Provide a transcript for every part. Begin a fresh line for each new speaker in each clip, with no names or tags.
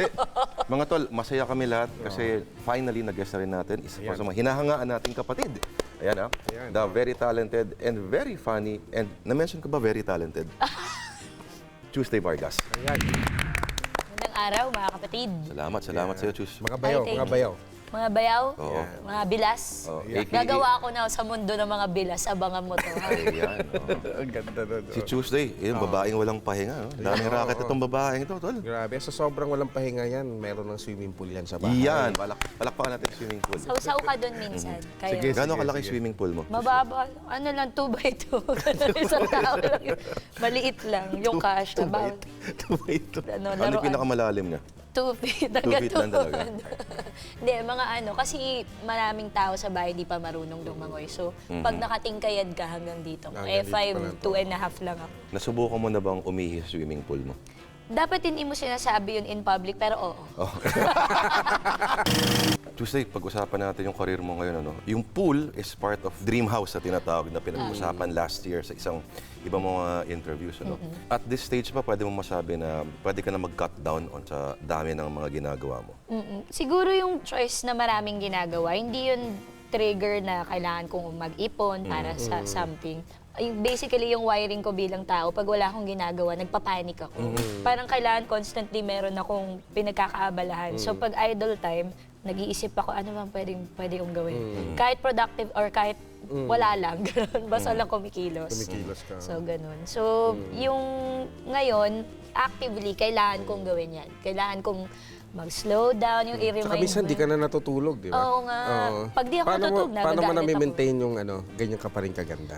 Hindi, mga tol, masaya kami lahat kasi finally nag-guest na rin natin isa pa sa mga hinahangaan nating kapatid. Ayan the very talented and very funny, and na-mention ko ba very talented? Tuesday Vargas.
Ayan.
Magandang araw, mga kapatid.
Salamat sa iyo, Chus.
Mga bayaw,
Ay, thank
mga
you.
bayaw.
Mga bayaw,
Oo.
mga bilas.
AKA
Gagawa ako na sa mundo ng mga bilas. Abangan mo to. ha?
Ayan,
Ang ganda nun.
Si Tuesday, yun, babaeng walang pahinga. Daming racket itong babaeng ito, tol.
Grabe, sa sobrang walang pahinga yan, meron ng swimming pool yan sa bahay.
Iyan, palakpakan natin yung swimming pool.
Sausaw ka doon minsan. Kayo.
Sige.
Gano'ng kalaki yung swimming pool mo?
Mababa. Ano lang, 2x2. Isang tao lang. Maliit lang. Yung cash. About, ano,
Ano yung
laruan.
pinakamalalim niya?
2 feet.
2 feet lang talaga?
Hindi, mga ano. Kasi maraming tao sa bahay di pa marunong lumangoy. So, pag nakatingkayad ka hanggang dito.
Hanggang dito pa lang
5, 2.5 lang ako.
Nasubukan mo na bang umihi sa swimming pool mo?
Dapat hindi mo sinasabi yun in public, pero oo.
Tuesday, pag-usapan natin yung career mo ngayon. Yung pool is part of Dream House na tinatawag na pinag-usapan last year sa isang ibang mga interviews. At this stage pa, pwede mo masabi na pwede ka na mag-cut down on sa dami ng mga ginagawa mo.
Siguro yung choice na maraming ginagawa, hindi yun trigger na kailangan kong mag-ipon para sa something. Basically, yung wiring ko bilang tao, pag wala akong ginagawa, nagpapanik ako. Parang kailangan constantly meron akong pinagkakaabalahan. So pag idle time, nag-iisip ako, ano bang pwede kong gawin? Kahit productive or kahit wala lang, gano'n. Basta lang kumikilos.
Kumikilos ka.
So, ganun. So, yung ngayon, actively, kailangan kong gawin yan. Kailangan kong mag-slow down, yung i-remind
Saka minsan, di ka na natutulog, di ba?
Oo nga. Pag di ako natutulog,
Paano mo
nagagalit ako.
na-maintain yung ganyan ka pa rin kaganda?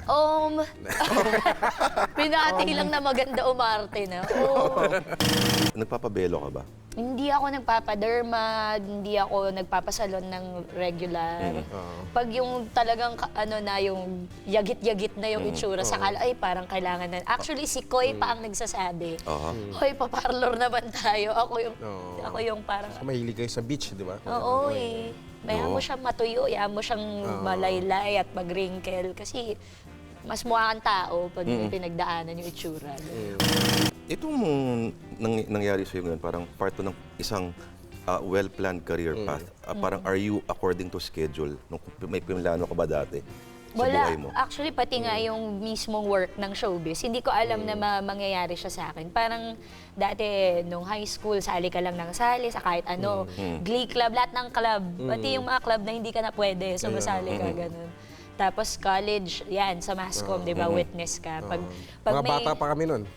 Pinati lang na maganda umarte na.
Nagpapabelo ka ba?
Hindi ako nagpapaderma, hindi ako nagpapasalon ng regular. Pag yung talagang yung yagit-yagit na yung itsura, sakala, ay parang kailangan na. Actually, si Koy pa ang nagsasabi, hoy, paparlor naman tayo. Ako yung parang,
So, mahilig kayo sa beach, di ba?
oo eh. Mayroon mo siyang matuyo, yan mo siyang malaylay at mag-wrinkle. Kasi mas mukha kang tao pag pinagdaanan yung itsura.
Itong nangyari sa'yo ngayon, parang part to ng isang well-planned career path. Parang are you according to schedule? May pinlano ka ba dati sa buhay mo?
Actually, pati nga yung mismong work ng showbiz, hindi ko alam na mangyayari siya sa akin. Parang dati, nung high school, sali ka lang ng sali sa kahit ano. Glee club, lahat ng club. Pati yung mga club na hindi ka na pwede, sumasali ka, ganun. Tapos college, yan, sa Mascom, di ba, witness ka. Pag
Mga bata pa kami nun.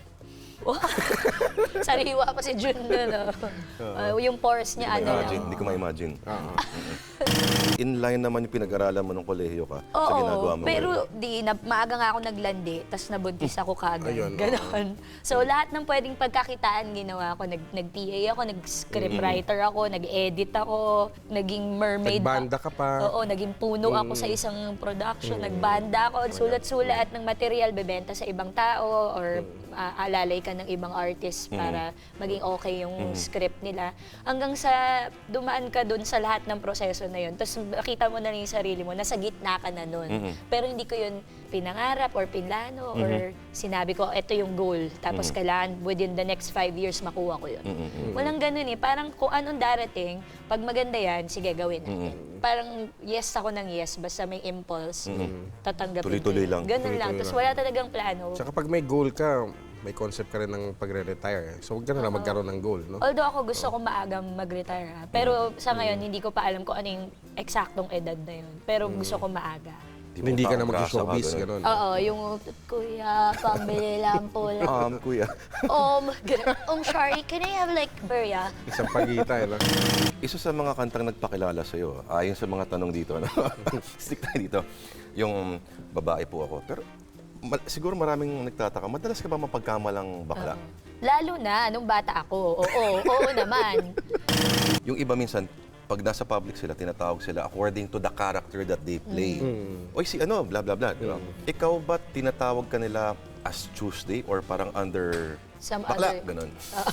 Sariwa pa si Jun nun, yung pores niya, ano lang.
Hindi ko ma-imagine. Inline naman yung pinag-aralan mo nung kolehiyo ka sa ginagawa mo.
Pero maaga nga ako naglandi, tapos nabuntis ako kagad.
Ayun,
Ganon. So lahat ng pwedeng pagkakitaan ginawa ko. Nag-PA ako, nag-scriptwriter ako, nag-edit ako, naging mermaid.
Nagbanda ka pa.
Oo, naging puno ako sa isang production. Nagbanda ako, sulat-sulat ng material, bebenta sa ibang tao, or alalay ka ng ibang artist para maging okay yung script nila. Hanggang sa dumaan ka dun sa lahat ng proseso na yun. Tapos makita mo na lang yung sarili mo, nasa gitna ka na nun. Pero hindi ko yun pinangarap or pinlano or sinabi ko, ito yung goal. Tapos kailangan within the next 5 years makuha ko yun. Walang ganun eh. Parang kung anong darating, pag maganda yan, sige, gawin natin. Parang yes ako ng yes, basta may impulse, tatanggapin ko
Tuloy-tuloy
yun.
lang.
Ganun lang. Tapos wala talagang plano.
Tsaka pag may goal ka, may concept ka rin ng pagre-retire. So, huwag ka na lang magkaroon ng goal, no?
Although ako gusto ko maagang mag-retire. Pero sa ngayon, hindi ko pa alam kung ano yung eksaktong edad na yun. Pero gusto ko maaga.
Hindi ka na
Grasa ka,
mag-showbiz,
ganun.
gano'n.
Oo, yung kuya, pambili lang po lang.
Kuya.
Shari, can I have like Beria?
Isang pagita, no?
Isa sa mga kantang nagpakilala sa'yo, ayon sa mga tanong dito, stick tayo dito, yung babae po ako. Pero siguro maraming nagtataka, madalas ka ba mapagkamalang bakla?
Lalo na, nung bata ako. Oo naman.
Yung iba minsan, pag nasa public sila, tinatawag sila according to the character that they play. Oy, si ano, blah, blah, blah. Di ba? Ikaw ba tinatawag ka nila as Tuesday or parang under
Some
bakla,
other-
ganun.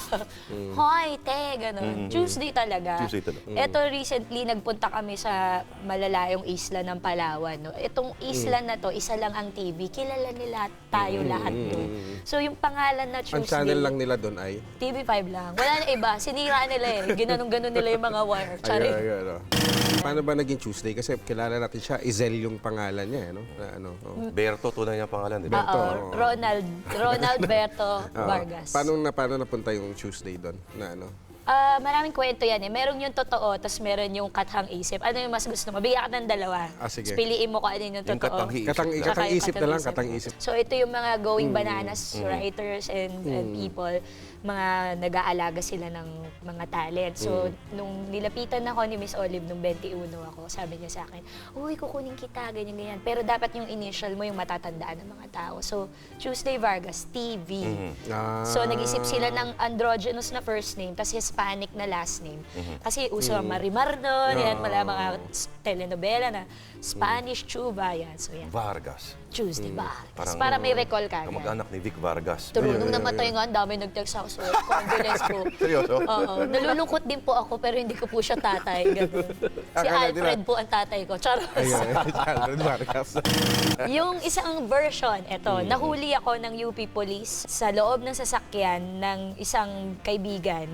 Hoy, te, gano'n. Tuesday talaga.
Tuesday talaga.
Ito recently, nagpunta kami sa malalayong isla ng Palawan. No? Itong isla na to, isa lang ang TV. Kilala nila tayo lahat doon. So yung pangalan na
Ang
Tuesday,
channel lang nila doon ay...
TV5 lang. Wala na iba. Sinira nila eh. Ginanong-ganon nila yung mga wire. Charing.
Paano ba naging Tuesday? Kasi kilala natin siya, Izel yung pangalan niya, no? Na, ano, oh.
Berto, tunay niyang pangalan, di ba?
Berto.
Oo, Ronald Berto Vargas.
Paano napunta yung Tuesday doon? Na ano?
Maraming kwento yan eh. Meron yung totoo, tapos meron yung kathang isip. Ano yung mas gusto mo? Bigyan ka ng dalawa.
Sige.
Tapos piliin mo kung ano yung
Yung
totoo.
katang-isip.
Katang isip na lang,
Isip.
katang isip.
So ito yung mga going bananas writers and people, mga nag-aalaga sila ng mga talent. So nung nilapitan ako ni Miss Olive nung 21 ako, sabi niya sa akin, uy, kukunin kita, ganyan-ganyan. Pero dapat yung initial mo yung matatandaan ng mga tao. So Tuesday Vargas, TV. So nag-isip sila ng androgynous na first name, tapos Hispanic na last name. Kasi uso ang Marimar doon, yan, wala mga telenovela na Spanish Chuba, yan. So yan,
Vargas.
Tuesday Vargas. Para may recall ka.
Kamag-anak ni Vic Vargas.
True, nung namatay nga, ang dami nag-text ako. So, condolence po.
Seryoso?
Oo. Nalulungkot din po ako, pero hindi ko po siya tatay. Ganun. Si
Akala
Alfred
nila-
po ang tatay ko. Charot.
Ayun, Vargas.
Yung isang version, eto, nahuli ako ng UP Police sa loob ng sasakyan ng isang kaibigan,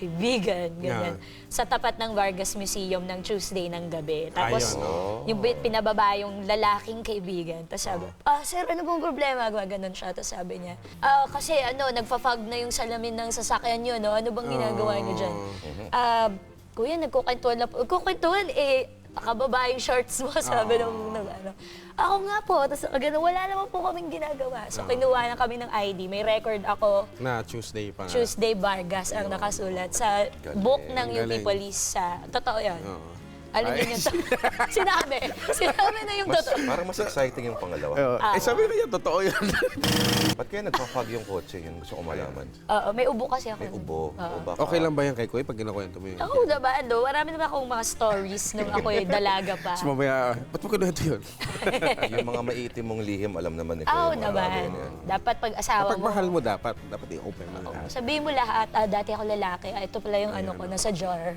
ganyan, sa tapat ng Vargas Museum ng Tuesday ng gabi. Tapos, yung pinababa yung lalaking kaibigan. Tapos sabi, sir, ano bang problema? Gano'n siya. Tapos sabi niya, kasi nagfa-fog na yung salamin ng sasakyan nyo, no? Ano bang ginagawa niyo dyan? Kuya, nagkukwentuhan lang po. Nagkukwentuhan, nakababa yung shorts mo, sabi nung ano. Ako nga po, tapos wala naman po kaming ginagawa. So, kinuha na kami ng ID. May record ako,
Na Tuesday pa nga.
Tuesday Vargas ang nakasulat sa book ng UP
Galing.
Police. Totoo yan.
Oo.
Alam niyo yun. Sinabi na yung totoo.
Parang mas exciting yung pangalawa.
Sabi na yan, totoo yan.
Ba't kaya nagpa-fog yung kotse? Yun gusto ko malaman.
Oo, may ubo kasi ako.
May ubo. O baka,
Okay lang ba yan kay Kuya pag ginakwento mo yun?
Oo naman, no? Marami naman akong mga stories nung ako'y dalaga pa.
Tapos mamaya, ba't mo kinuwento yun?
yung mga maiitim mong lihim, alam naman ni
Oo
Kuya, mga
naman.
bagay na yan.
Dapat pag asawa
Kapag
mo,
mahal mo dapat i-open mo lahat.
sabihin mo lahat, dati ako lalaki, ito pala yung ano ko, nasa jar.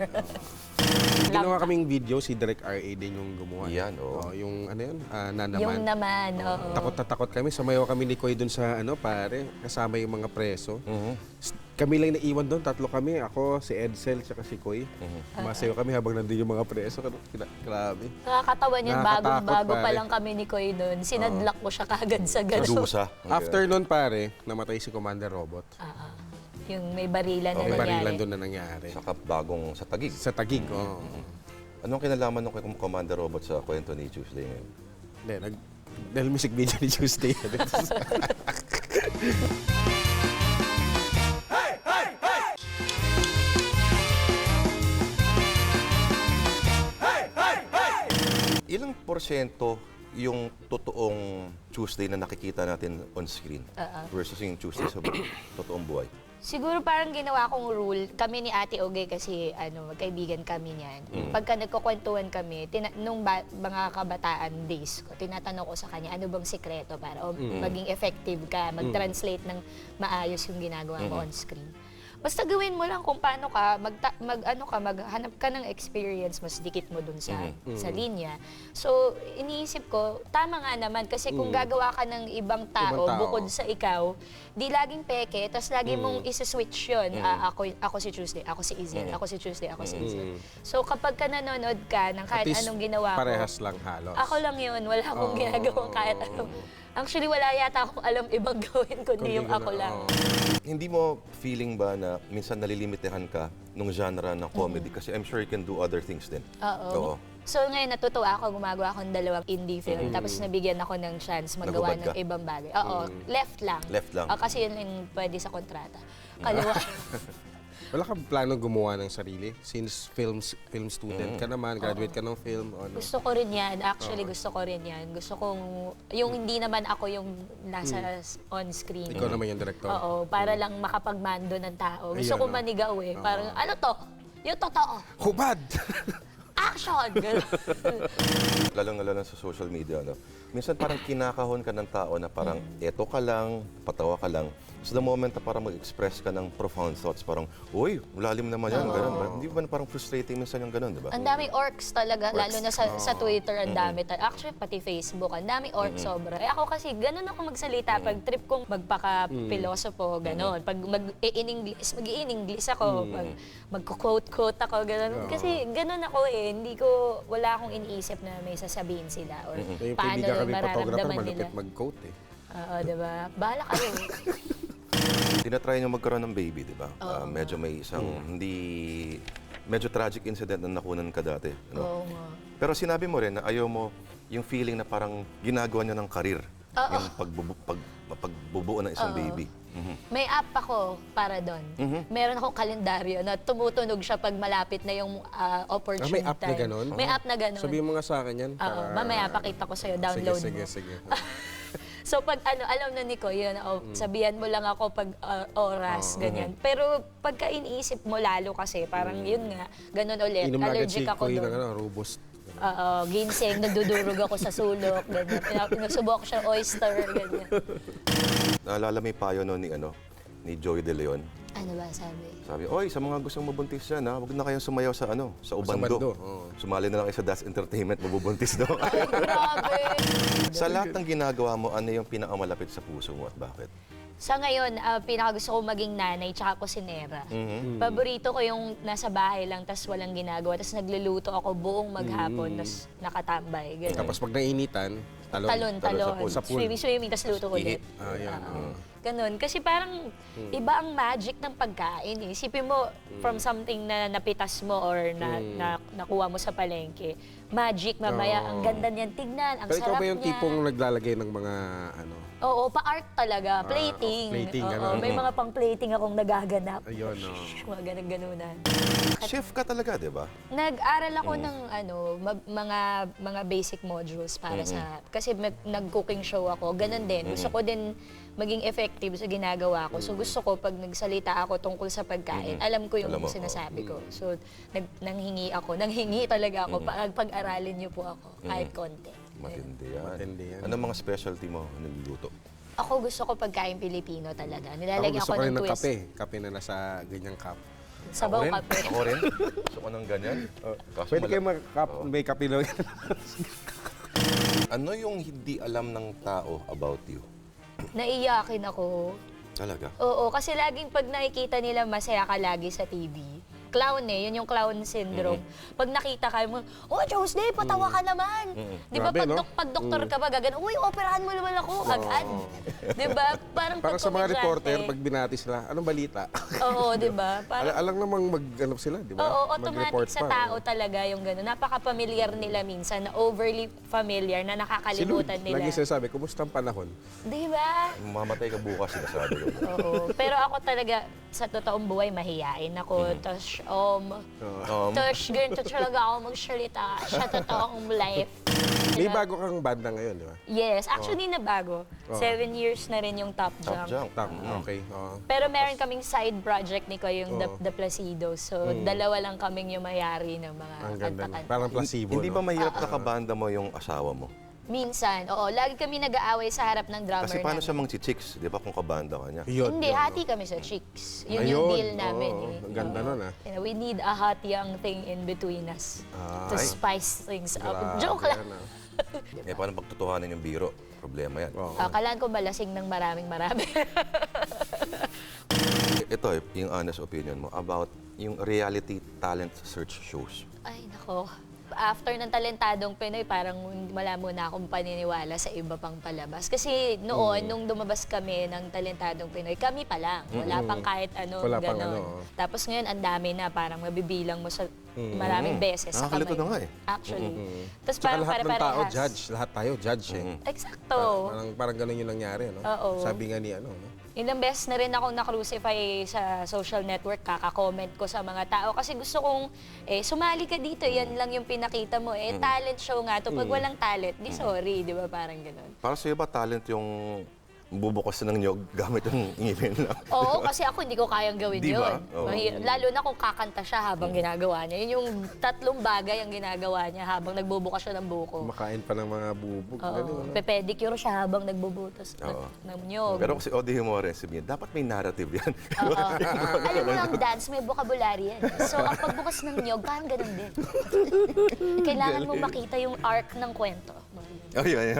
Ginawa kaming video, si Direk R.A. din yung gumawa.
Yan, oo.
Yung ano yun,
Yung
Nanaman.
naman, oo.
Takot na takot kami. Sumayaw kami ni Koy dun sa pare, kasama yung mga preso. Kami lang naiwan doon, tatlo kami. Ako, si Edsel, tsaka si Koy. Masayaw kami habang nandun yung mga preso. Grabe.
Nakakatawa niyan,
Nakakatakot,
bago pa
pare.
lang kami ni Koy doon. Sinadlak ko siya kagad sa
Sa
gano'n.
dusa.
After nun pare, namatay si Commander Robot.
Yung may barilan na
May barilan
nangyari.
doon na nangyari.
Saka bagong sa Tagig.
Sa Tagig, oo.
Anong kinalaman ng Commander Robot sa kwento ni Tuesday ngayon?
Hindi, dahil music video ni Tuesday.
Ilang porsyento yung totoong Tuesday na nakikita natin on screen versus yung Tuesday sa totoong buhay?
Siguro parang ginawa kong rule, kami ni Ate Oge kasi magkaibigan kami niyan. Pagka nagkukwentuhan kami, nung mga kabataan days ko, tinatanong ko sa kanya, ano bang sikreto para maging effective ka, mag-translate ng maayos yung ginagawa mo on screen. Basta gawin mo lang kung paano ka, maghanap ka ng experience, mas dikit mo dun sa linya. So, iniisip ko, tama nga naman, kasi kung gagawa ka ng ibang tao,
Ibang tao.
bukod sa ikaw, di laging peke, tapos lagi mong isa-switch yun. Ako si Tuesday, ako si Izel, ako si Tuesday, ako si Izel. So, kapag ka nanonood ka ng kahit
At least,
anong ginawa ko,
parehas lang halos.
ako lang yun, wala akong ginagawang kahit ano. Actually, wala yata akong alam ibang gawin kundi yung ako lang.
Hindi mo feeling ba na minsan nalilimitahan ka nung genre ng comedy? Kasi I'm sure you can do other things din.
Oo. So ngayon natutuwa ako, gumagawa ako ng dalawang indie film, tapos nabigyan ako ng chance magawa
Nagubad
ng
ka?
ibang bagay. Oo, left lang.
Left lang.
Kasi yun yung pwede sa kontrata. Kaliwa.
Wala kang plano gumawa ng sarili? Since film student ka naman, graduate ka ng film, o ano?
Gusto ko rin yan. Actually, gusto ko rin yan. Gusto kong, yung hindi naman ako yung nasa on screen.
Ikaw naman yung director.
Oo, para lang makapagmando ng tao. Gusto
Ayun,
ko
no?
manigaw eh. Parang, ano to? Yung totoo.
Hubad!
Action! Ganun.
lalo sa social media, no? Minsan parang kinakahon ka ng tao na parang eto ka lang, patawa ka lang. So the moment na parang mag-express ka ng profound thoughts, parang, uy, malalim naman yan, ganun. Hindi ba parang frustrating minsan yung ganun, di ba?
Ang daming orcs talaga, lalo na sa Twitter, ang dami. Actually, pati Facebook, ang daming orcs sobra. Eh ako kasi, ganun ako magsalita. Pag trip kong magpaka-pilosopo, ganun. Pag mag-i-English ako, pag magko-quote ako, ganun. Kasi ganun ako eh. Wala akong iniisip na may sasabihin sila or
Yung
paano
kaibigan kami photographer,
mararamdaman nila.
malupit mag-coat eh.
Oo, diba? Bahala kayo.
Tinatry niyo magkaroon ng baby, di ba? Medyo may isang medyo tragic incident na nakunan ka dati. Ano?
Oo nga.
Pero sinabi mo rin na ayaw mo yung feeling na parang ginagawa niyo ng karir. Yung pagbubuo ng isang baby.
May app ako para doon. Meron akong kalendaryo na tumutunog siya pag malapit na yung opportunity
May app na
time.
ganon?
May app na ganon.
Sabihin mo nga sa akin yan.
Oo, mamaya pakita ko sa'yo, download
sige,
mo.
Sige.
So pag alam na ni ko, yun, sabihan mo lang ako pag oras, ganyan. Pero pagka iniisip mo lalo kasi, parang yun nga, ganun ulit.
Inom na agad
Allergic
si
ako
Koy ng
doon.
robust.
Oo, ginseng, nagdudurog ako sa sulok, ganyan. Pinasubok siya oyster, ganyan.
Naalala mo yung payo no, ni Joey De Leon.
Ano ba sabi?
Sabi, oy, sa mga gustong mabuntis dyan, huwag na kayong sumayaw sa Ubando.
bando, oo.
Sumali na lang kayo sa Das Entertainment, mabubuntis daw.
Ay, grabe!
Sa lahat ng ginagawa mo, ano yung pinakamalapit sa puso mo at bakit?
Sa ngayon, pinaka gusto ko maging nanay tsaka kusinera. Paborito ko yung nasa bahay lang, tas walang ginagawa, tas nagluluto ako buong maghapon, tas nakatambay. Ganun.
Tapos pag nainitan, talon.
Talon.
Sa pool.
Swimming, tas luto ulit.
Yan.
Ganun. Kasi parang iba ang magic ng pagkain. Eh. Isipin mo, from something na napitas mo or na nakuha mo sa palengke, magic, mamaya, ang ganda niyan tignan, ang
Pero ikaw
sarap
ba yung
niya.
tipong naglalagay ng mga
Oo, pa-art talaga. Plating.
plating,
Oo,
ganun.
may mga pang-plating akong nagaganap.
Ayun,
Mga ganun-ganunan.
Chef ka talaga, di ba?
Nag-aral ako ng mga basic modules para sa kasi nag-cooking show ako. Ganun din. Gusto ko din maging effective sa ginagawa ko. So gusto ko pag nagsalita ako tungkol sa pagkain, alam ko yung
Alam mo,
sinasabi ko. So nanghingi talaga ako. Pag-aralin niyo po ako kahit konti.
Matindi yan.
Matindi yan.
Anong mga specialty mo niluluto?
Ako gusto ko pagkain Pilipino talaga.
Ako
Nilalagyan
gusto
ko
ko rin
ng
ng
twist.
kape. Kape na nasa ganyang cup.
Sabaw
Ako rin.
kape.
Ako rin. Gusto ko ng ganyan. Kaso
Pwede kayo may kape na.
Ano yung hindi alam ng tao about you?
Naiyakin ako.
Talaga?
Oo, kasi laging pag nakikita nila masaya ka lagi sa TV. Clown eh, yun yung clown syndrome. Pag nakita ka mo, oh, Tuesday, patawa ka naman. Di ba,
Grabe, no?
pag doktor ka ba, gagano, uy, operahan mo naman ako, agad. Di ba? Parang
Para sa mga
komedyante.
reporter, pag binati sila, anong balita?
Oo, di ba? Parang,
Alang namang sila, di ba?
oo, automatic
Mag-report
sa
pa,
tao talaga yung gano'n. Napaka-familiar nila minsan, na overly familiar, na nakakalimutan nila.
Lagi sinasabi, kumusta ang panahon?
Di ba?
Mamatay ka bukas, sinasabi ko.
Oo. Pero ako talaga, sa totoong buhay, mahiyain ako. Tapos, tapos ganito talaga ako magsalita sa totoong life.
May bago kang banda ngayon, di ba?
Yes, actually nabago. 7 years na rin yung Top
Top
Jump.
jump.
Okay. oo.
Pero meron kaming side project ni ko, yung The Placido. So, dalawa lang kaming yung mayari ng mga
Ang ganda.
kanta-kanta.
Parang placebo,
Hindi
no?
ba mahirap na kabanda mo yung asawa mo?
Minsan, oo. Lagi kami nag-aaway sa harap ng drummer
Kasi paano
namin.
siya mang-chicks, di ba, kung kabanda ka niya?
Yun,
Hindi,
yun,
hati
no?
kami sa chicks. Yun yung deal namin.
oo.
Eh.
Ang ganda nun,
You know, we need a hot young thing in between us to
Ay.
spice things up.
Grabe,
Joke lang.
ano.
Eh, paano pagtutuhanan yung biro? Problema yan.
Oo.
Akalaan ko malasing ng maraming.
Ito, yung honest opinion mo about yung reality talent search shows.
Ay, nako. After ng Talentadong Pinoy, parang wala muna akong paniniwala sa iba pang palabas. Kasi noon, nung lumabas kami ng Talentadong Pinoy, kami pa lang. Wala pang kahit ano,
Wala pang
ganon.
ano, oh.
Tapos ngayon, ang dami na, parang mabibilang mo sa maraming beses sa
Nakakalito
kamay.
na nga eh.
Actually. Tapos
Tsaka
parang
lahat ng tao,
pare-parehas.
judge. Lahat tayo, judge eh.
Eksakto.
Parang ganun yung nangyari, no?
Oo.
Sabi nga ni ano, no?
Ilang beses na rin akong na-crucify sa social network, kaka-comment ko sa mga tao. Kasi gusto kong, sumali ka dito, yan lang yung pinakita mo. Talent show nga to. Pag walang talent, di sorry, di ba? Parang ganun.
Para sa'yo ba talent yung bubukas ng nyog gamit yung ngipin lang.
Oo, kasi ako hindi ko kayang gawin
Di ba?
yun.
Oo.
Lalo na kung kakanta siya habang ginagawa niya. Yun yung 3 bagay ang ginagawa niya habang nagbubukas siya ng buko.
Kumakain pa ng mga bubog.
Oo.
Ganun, ano?
Pepedicure siya habang nagbubutas
Oo.
ng nyog.
Pero kasi Odi Himores, dapat may narrative yan.
Oo. Alam mo, ang dance, may vocabulary yan. So, ang pagbukas ng nyog, parang ganun din. Kailangan mo makita yung arc ng kwento.
Oh, yun.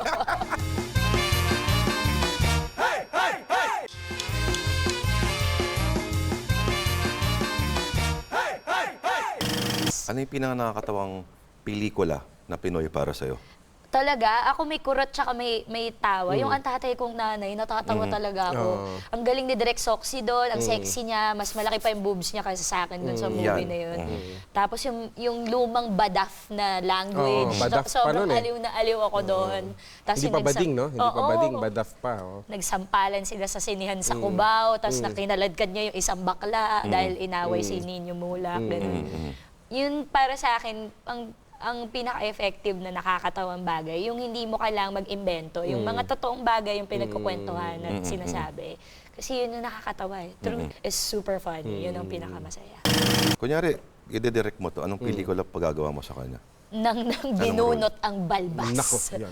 Ano yung pinaka-nakakatawang pelikula na Pinoy para sa'yo?
Talaga, ako may kurot tsaka may tawa. Yung ang tatay kong nanay, natatawa talaga ako.
Oo.
Ang galing ni Direk Soxy doon, ang sexy niya, mas malaki pa yung boobs niya kaysa sa akin doon sa movie
Yan.
na yun. Tapos yung lumang badaf na language,
Oo, badaf pa
sobrang
nun eh.
aliw na aliw ako doon. Tapos
Hindi
yung
pa bading, no? Hindi pa
Oo.
bading, badaf pa. Oh.
Nagsampalan sila sa sinihan sa Cubao, tapos nakinaladkad niya yung isang bakla dahil inaway si Nino Mulak. Ganun. Yun para sa akin, ang pinaka-effective na nakakatawang bagay, yung hindi mo kailangang mag-imbento, yung mga totoong bagay yung pinagkukwentuhan at sinasabi. Kasi yun yung nakakatawa eh. Truth is super funny. Yun ang pinakamasaya.
Kunyari, ide-direct mo to, anong pelikula pagagawa mo sa kanya?
Nang binunot ang balbas.
Nako, yan.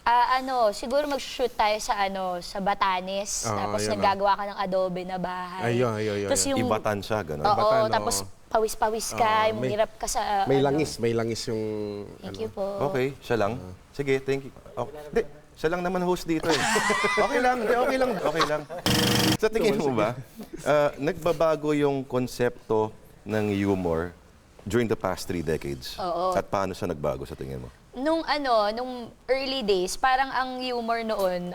Oh.
Siguro mag-shoot tayo sa Batanes, tapos
yun,
naggagawa ka ng adobe na bahay.
Ayun.
Tapos yung,
Ibatan siya, gano'n.
oo,
Ibatan,
tapos pawis-pawis ka, yung hirap ka sa...
May
ano.
langis yung...
Thank you po.
Okay, siya lang. Sige, thank you. Hindi, siya lang naman host dito eh. Okay lang, okay lang. Sa tingin mo ba, nagbabago yung konsepto ng humor during the past 3 decades?
Oo.
At paano siya nagbago sa tingin mo?
Nung early days, parang ang humor noon,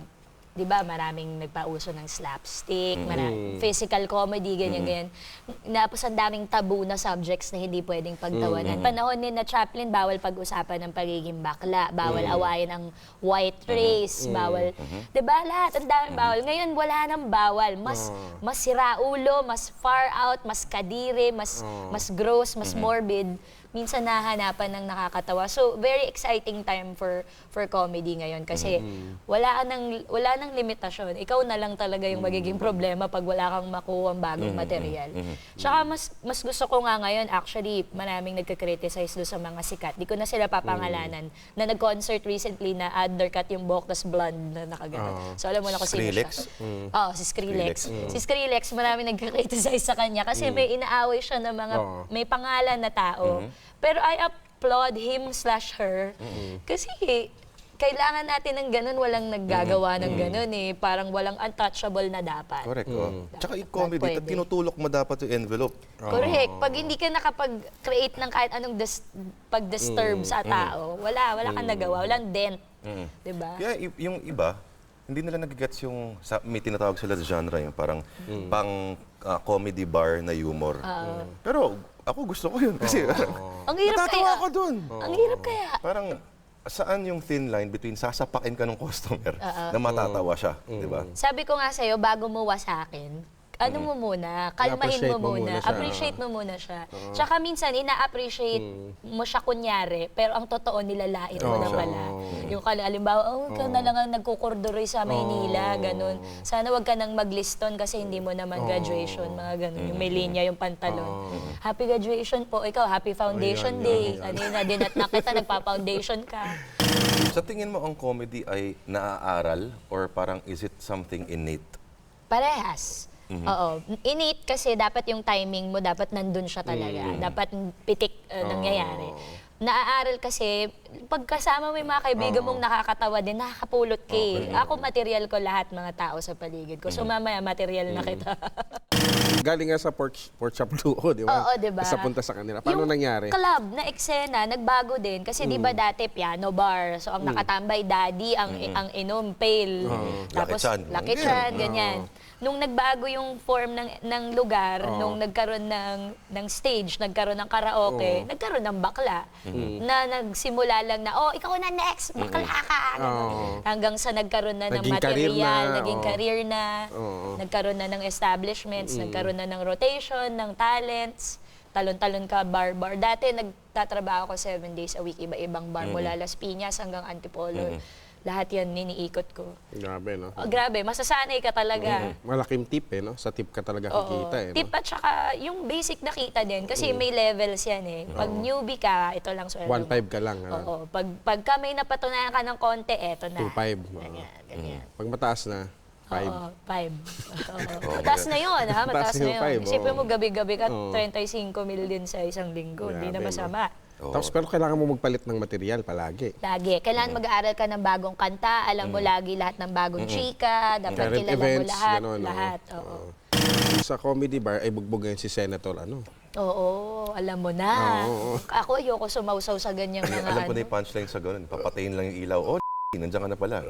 'di ba, maraming nagpauso ng slapstick, physical comedy, ganyan. Tapos ang daming tabu na subjects na hindi pwedeng pagtawanan. Panahon ni na Chaplin, bawal pag-usapan ng pagiging bakla, bawal awayan ang white race, bawal, 'di ba, lahat ang daming bawal. Ngayon wala nang bawal, mas siraulo, mas far out, mas kadire, mas gross, mas morbid. Minsan nahanapan ng nakakatawa. So, very exciting time for comedy ngayon kasi wala nang limitasyon. Ikaw na lang talaga yung magiging problema pag wala kang makuha bagong material. Tsaka mas gusto ko nga ngayon, actually, maraming nagka-criticize doon sa mga sikat. Di ko na sila papangalanan na nag-concert recently na undercut yung buhok tas blonde na nakagano. So, alam mo na kung sino siya.
Skrillex?
Oo, si Skrillex. Si Skrillex, maraming nagka-criticize sa kanya kasi may inaaway siya ng mga may pangalan na tao. Pero I applaud him/her kasi kailangan natin ng ganun, walang naggagawa ng ganun eh. Parang walang untouchable na dapat.
Correct. Tsaka yung comedy,
Pwede.
tinutulok mo dapat yung envelope.
Correct. Pag hindi ka nakapag-create ng kahit anong pag-disturb sa tao, wala kang nagawa, walang dent. Diba?
Kaya yung iba, hindi nila nagigets yung, may tinatawag sila sa genre, yung parang pang comedy bar na humor. Pero ako gusto ko yun kasi
Ang hirap
natatawa
kaya.
ako dun.
Ang hirap kaya.
Parang saan yung thin line between sasapakin ka ng customer na matatawa siya, di ba?
Sabi ko nga sa'yo, bago mo wasakin, ano mo muna, kalmahin mo
I-appreciate mo muna
muna,
siya.
appreciate mo muna siya. Tsaka minsan, ina-appreciate mo siya kunyari, pero ang totoo nilalait mo na pala. Yung halimbawa, ikaw na lang ang nagkukurduroy sa Maynila, ganun. Sana wag ka nang magliston kasi hindi mo naman graduation, mga ganun. Yung may linya yung pantalon. Happy graduation po, ikaw, happy foundation day. Kanina, dinat na kita, nagpa-foundation ka.
Sa tingin mo ang comedy ay naaaral or parang is it something innate?
Parehas. Oo. Innate kasi dapat yung timing mo, dapat nandun siya talaga. Dapat pitik nangyayari. Naaaral kasi, pagkasama mo yung mga kaibigan mong nakakatawa din, nakakapulot ka eh. Ako, material ko lahat mga tao sa paligid ko. So mamaya, material na kita.
Galing nga sa pork chop 2, di ba?
Oo, di ba?
Tapos napunta sa kanila. Paano nangyari?
Yung club na eksena, nagbago din. Kasi di ba dati piano bar. So ang nakatambay daddy, ang inom, pale. Tapos
Lucky Chan.
Lucky Chan, ganyan. Nung nagbago yung form ng lugar, nung nagkaroon ng stage, nagkaroon ng karaoke, nagkaroon ng bakla. Na nagsimula lang na, ikaw na next, bakla ka. Hanggang sa nagkaroon na ng
Naging career
material,
na,
naging career na, nagkaroon na ng establishments, nagkaroon na ng rotation, ng talents, talon-talon ka, bar-bar. Dati nagtatrabaho ko 7 days a week, iba-ibang bar, mula Las Piñas hanggang Antipolo. Lahat yan niniikot ko.
Grabe, no?
Oh, grabe, masasanay ka talaga.
Malaking tip, eh, no? Sa tip ka talaga kikita, eh, no?
Tip at saka yung basic na kita din. Kasi may levels yan eh. Pag newbie ka, ito lang sweldo
1.5 ka lang, ha?
Oo. Pagka may napatunayan ka ng konti, eto na.
2.5.
Ganyan.
Pag mataas na, 5.
Oo, 5. Mataas na yun, ha? Mataas na
yung
yun.
five,
Isipin mo, gabi-gabi ka,
Oo.
35 mil din sa isang linggo. Hindi na
Grabe, no?
masama.
Oo.
Tapos pero kailangan mo magpalit ng material palagi.
Lagi. Kailangan mag-aaral ka ng bagong kanta. Alam mo lagi lahat ng bagong chika. Dapat
Current
kilala mo
events,
lahat.
gano'n, no?
Lahat. Oo.
Sa comedy bar ay bugbog ngayon si Senator, ano?
Oo, alam mo na.
Oo.
Ako, ayoko sumausaw sa ganyang mga
Alam ko na yung punchline sa ganun. Papatayin lang yung ilaw. Oh, nandiyan ka na pala.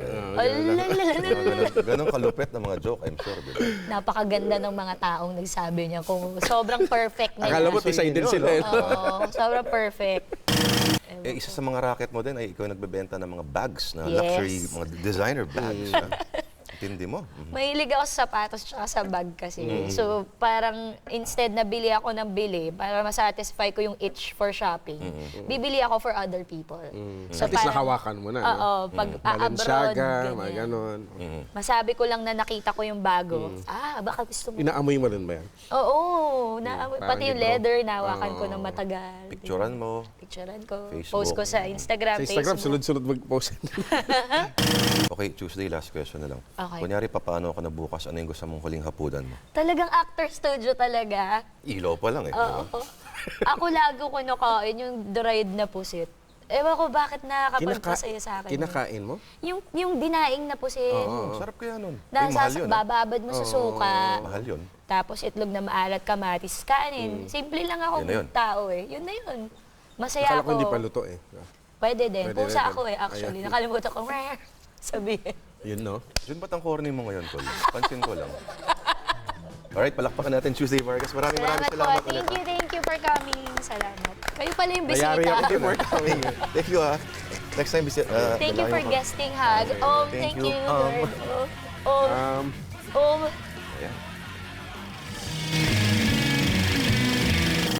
Ganun kalupit na mga joke, I'm sure. Diba?
Napakaganda ng mga taong nagsabi niya kung sobrang perfect na
Akala mo
yan.
decided sila, eh.
Oo, sobrang perfect.
Isa sa mga racket mo din ay ikaw nagbebenta ng mga bags na
Yes.
luxury, mga designer bags. ha? Tindi mo.
Mahilig ako sa sapatos at sa bag kasi. So, parang instead na bili ako ng bili para masatisfy ko yung itch for shopping, bibili ako for other people. So,
At least
parang-
nakawakan mo na, no?
Oo, pag abroad,
Balenciaga, mga
ganyan.
ganon.
Masabi ko lang na nakita ko yung bago. Baka gusto mo.
Inaamoy mo rin ba yan?
Oo,
parang
pati yung
libro.
leather, nawakan ko ng matagal.
Picturean mo.
Picturean ko.
Facebook.
Post ko sa Instagram,
Sa Instagram,
Facebook.
sunod-sunod mag-post.
Okay, Tuesday, last question na lang.
Okay.
Kunyari, papaano ka na bukas? Ano yung gusto mong huling hapunan mo?
Talagang actor studio talaga.
Ilaw pa lang eh.
Oo. Ako lagi ko nakain yung dried na pusit. Ewan ko bakit nakakapagpasaya sa akin.
Kinakain mo?
Yung dinaing na pusit.
Ang sarap kaya nun.
Dahil
mahal yun.
bababad mo sa suka.
Mahal yun.
Tapos itlog na maalat, kamatis, kanin. Simple lang ako
Yun na yun.
tao eh. Yun na yun. Masaya
Akala
ako.
ko hindi pa luto, eh.
Pwede din.
Pwede
Pusa
rin.
ako eh, actually.
Ayan.
Nakalimutan ko, sabihin.
Yun, no?
Yun ba't ang corny mo ngayon, Tol? Pansin ko lang. Alright, palakpakan natin Tuesday Vargas. Maraming
Salamat
salamat
po.
ulit.
Thank you for coming. Salamat. Kayo pala yung bisita.
Nayari ako
Thank you for coming. Thank you, ha. Next time,
Thank you for guesting, ha. Thank
Thank
you.
you.
Lord.
Um,